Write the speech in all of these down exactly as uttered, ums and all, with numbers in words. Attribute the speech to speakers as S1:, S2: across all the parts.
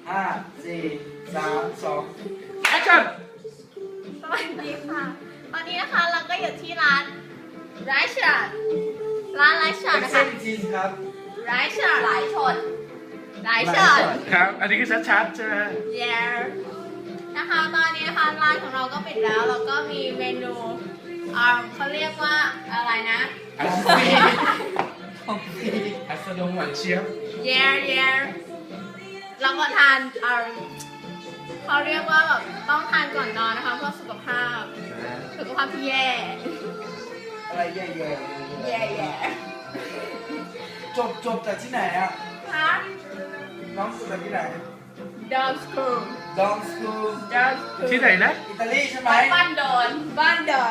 S1: ห้าสี่สามสอง
S2: แอคชั่น
S3: สวัสดีค่ะ ตอนนี้นะคะเราก็อยู่ที่ร้านไรชาร์ดร้านไรชาร์ด
S1: เอ็ก
S3: นะ
S1: เซ
S3: คะ
S1: นจีนครับ
S3: ไรชาร์ดหลายชนไรชาร์ด
S2: ครับ อันนี้คือชัดๆใช่ไหม
S3: เย้นะคะตอนนี้นะคะร้านของเราก็ปิดแล้วแล้วก็มีเมนูอ่าเขาเรียกว่าอะไรนะ
S2: อัส
S1: ฟรีของฟรี
S2: อัสดงหวานเชียบ
S3: เย้เย้รับประทานเอ่อเขาเรียกว่าแบบต้องทานก่อนนอนนะคะเพื่อสุขภาพสุขภาพที่แย่
S1: อะไรแย่
S3: แย่แย่
S1: ๆจบจบจากที่ไหนอ่ะ
S3: ฮะ
S1: น้องจบจากที่ไหน
S3: ดอมสคูล
S1: ดองสคูล
S3: ดอมสคูล
S2: ที่ไหนนะ
S1: อิตาลีใช่ไหม
S3: บ้านดอนบ้านดอน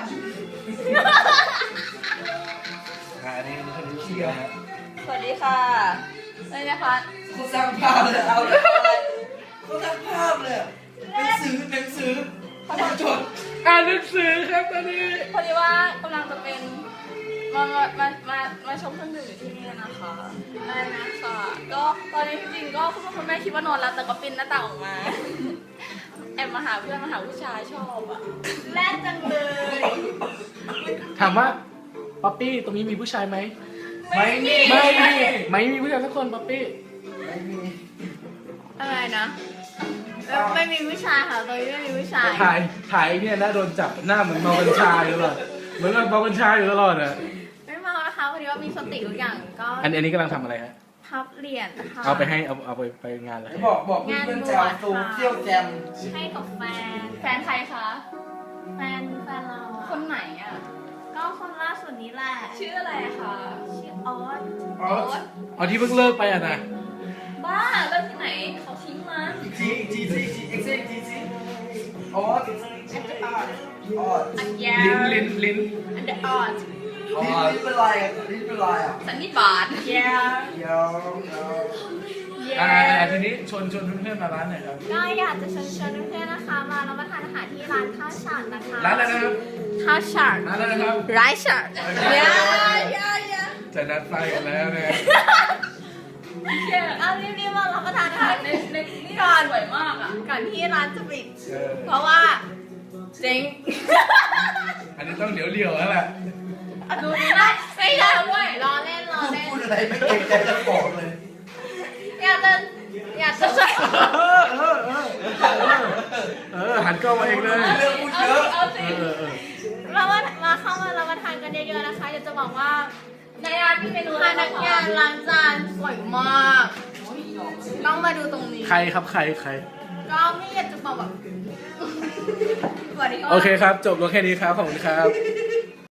S2: อ่าอันนี้คนนี้
S1: เชี
S2: เชี
S1: ย
S2: ย
S1: ร์
S2: ร์
S3: สวัสดีค่ะเลยนะคะ
S1: เขาสร้างภาพเลยเอาเลยเขาสร้างภาพเลยหนังสือหนังสือเขาทำจด
S2: อ่านหนังสือครับตอนนี้
S4: พอดีว่ากำลังจะเป็นมามามามามาชมเครื่องดื่มอยู่ที่นี่นะคะได้นะคะก็ตอนนี้จริงๆก็คุณพ่อคุณแม่คิดว่านอนแล้วแต่ก็ปีนหน้าต่างออกมา แอบมาหาเพื่อนมาหาผู้ชายชอบอ่ะ
S3: แรกจังเลย
S2: ถามว่าป๊อปปี้ตรงนี้มีผู้ชายไหม
S1: ไม่มี
S2: ไม่มีไม่มีผู้ชายสักคนป๊อปปี้
S1: ไม่มี
S3: อะไรนะไม่ไม่มีผู้ชายค่ะตอนนี้ไม่มีผู้ชาย
S2: ถ่ายถ่ายเนี่ยนะโดนจับหน้าเหมือนเมากัญชาอยู่ตลอดเหมือนกับเมากัญชาอยู่ตลอดอ่ะ
S3: ไม่เมานะคะพอดีว่ามีสติทุกอย่างก็
S2: อันอันนี้กำลังทำอะไรฮะ
S3: พับเหรียญนะคะ
S2: เอาไปให้เอาเอาไปไปงานอะไร
S1: ไหนบอกบอกเพื่อนๆจะเอาตูเที่ยวแจม
S3: ให้กับแฟน
S4: แฟนใครคะ
S3: แฟนแฟนเราอะ
S4: คนไหนอ่ะ
S3: ก็คนล่าสุดนี้แหละ
S4: ชื่ออะไรคะ
S3: ชื่อออส
S1: อ๋อ
S4: โอ๊ต
S2: เอาที่เพิ่งเลิกไปอ่ะนะ
S4: บ้าเลิกที่ไหนเขาทิ้งมา
S1: อีกทีอีกทีสิอีกทีอีกทีสิอ๋ออีกทีอีกทีอ๋ออ๋อ
S3: อันยา
S2: ลิ้นลิ้นลิ้น
S3: อันเดอร์ออส
S1: ลิ้นลิ้นเป็นไรอ่ะลิ้นเป็นไรอ่ะ
S4: สันนิบาต
S3: ยา
S1: เดี๋ยวเดี๋ยว
S2: อ่าอ่าทีนี้ชวนชวนเพื่อนๆมาร้านหน่อยครับ
S3: ก็อยากจะเชิญชวนเพื่อนๆนะคะมารับประทานอาหารที่ร้านข้าวฉาดนะคะ
S2: ร้านอะไรนะครับ
S3: ข้าวฉาด
S2: ร้านอะไรนะครับ
S3: ไรฉาดยายายา
S2: จะนัดไฟกันแล้วนะ
S3: เอารีบๆมารับประทานอาหาร
S4: ในในนี่
S3: ก่อน
S4: สวยมากอ่ะ
S3: ก่อนที่ร้านจะปิด
S2: เออ
S3: เพราะว่าเจ๊ง
S2: อันนี้ต้องเดี๋ยวเดี่ยวแล้วแหละ
S4: ดูดีนะ
S3: ไม่ได้ด้วยรอเล่นรอ
S1: พูด
S3: เล่น
S1: พูดอะไรไม่เกรงใจเจ้าของเลย
S3: อยากจะอยากจะ
S2: เออเออเออเออหันกล้องมาเองเลย
S1: เรื่องพูดเยอะ
S4: เอาสิ
S2: เออเออ
S3: เรามามาเข้ามารับประทานกันเยอะๆนะคะอยากจะบอกว่า
S4: ในร้านมีเมนู
S3: พนักงานล้างจานสวยมากต้องมาดูตรงนี้
S2: ใครครับใครใคร
S3: ก็ไม่อยากจะบอกแบบสวัสดีค่ะ
S2: โอเคครับ จบลงแค่นี้ครับ ขอบคุณครับ